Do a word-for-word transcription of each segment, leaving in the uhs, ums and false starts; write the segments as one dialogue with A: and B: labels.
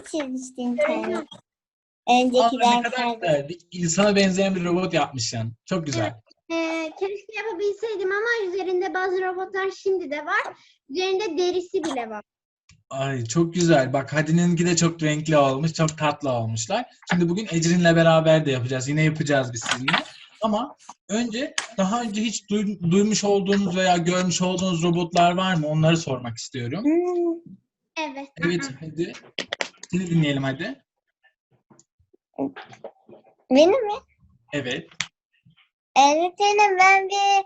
A: çizmişti internet.
B: Aa,
A: Önceki
B: ne kadar
A: derslerde.
B: güzel. Bir insana benzeyen bir robot yapmışsın. Çok güzel.
C: Ee, keşke yapabilseydim ama üzerinde bazı robotlar şimdi de var. Üzerinde derisi bile var.
B: Ay çok güzel. Bak Hadi'ninki de çok renkli olmuş. Çok tatlı olmuşlar. Şimdi bugün Ecrin'le beraber de yapacağız. Yine yapacağız biz sizinle. Ama önce daha önce hiç duy- duymuş olduğunuz veya görmüş olduğunuz robotlar var mı? Onları sormak istiyorum.
A: Hmm,
C: Evet.
B: Evet hadi. Seni dinleyelim hadi.
A: benim mi?
B: Evet.
A: Öğretmenim ben bir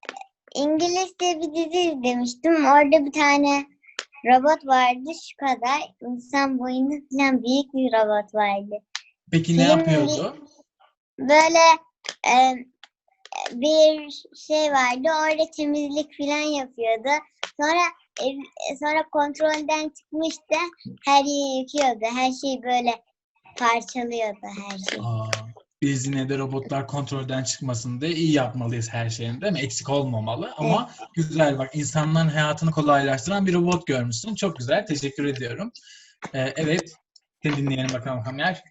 A: İngilizce bir dizi izlemiştim. Orada bir tane robot vardı şu kadar. İnsan boyunda falan büyük bir robot vardı.
B: Peki ne
A: Film
B: yapıyordu?
A: Böyle e, bir şey vardı. Orada temizlik falan yapıyordu. Sonra ev- sonra kontrolden çıkmıştı. Her yeri yıkıyordu. Her şeyi böyle parçalıyordu her şeyi.
B: Aa, biz yine de robotlar kontrolden çıkmasın diye iyi yapmalıyız her şeyin, değil mi? Eksik olmamalı ama güzel bak insanların hayatını kolaylaştıran bir robot görmüşsün. Çok güzel. Teşekkür ediyorum. Ee, evet. Seni dinleyelim bakalım Kamyer.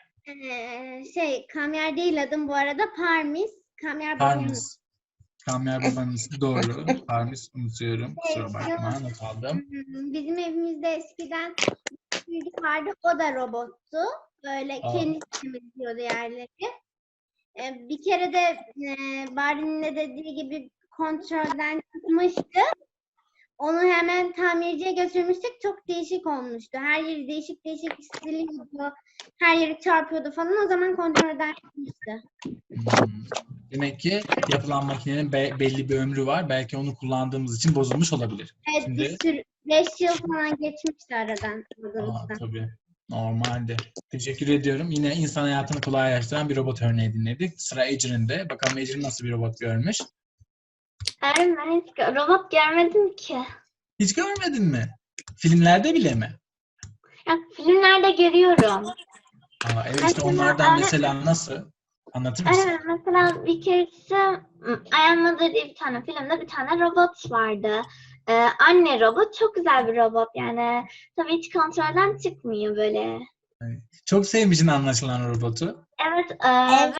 C: Ee, şey, Kamyer değil adım bu arada. Parmis. Kamyer babamın.
B: Parmis. Kamyer babanın ismi doğru. Parmis unutuyorum. Kusura bakma. Not aldım.
C: Bizim evimizde eskiden bir vardı. O da robottu. Böyle
B: Aa.
C: kendisi temizliyordu yerleri. Ee, bir kere de e, Bari'nin de dediği gibi kontrolden çıkmıştı. Onu hemen tamirciye götürmüştük. Çok değişik olmuştu. Her yeri değişik değişik siliyordu. Her yeri çarpıyordu falan. O zaman kontrolden çıkmıştı.
B: Hmm. Demek ki yapılan makinenin be- belli bir ömrü var. Belki onu kullandığımız için bozulmuş olabilir.
C: Evet,
B: Şimdi
C: bir sürü beş yıl falan geçmişti aradan.
B: Aa, tabii. Normalde. Teşekkür ediyorum. Yine insan hayatını kolaylaştıran bir robot örneği dinledik. Sıra Ecrin'de. Bakalım Ecrin nasıl bir robot görmüş?
D: Hayır, ben hiç gö- robot görmedim ki.
B: Hiç görmedin mi? Filmlerde bile mi?
D: Ya, filmlerde görüyorum.
B: Aa, evet işte
D: Mesela
B: onlardan
D: öyle-
B: mesela nasıl? Anlatır mısın?
D: Evet, mesela bir keresi I Am Mother diye bir tane filmde bir tane robot vardı. Ee, anne robot, çok güzel bir robot yani. Tabii hiç kontrolden çıkmıyor böyle.
B: Çok sevmişsin anlaşılan robotu.
D: Evet, e,
A: Evet.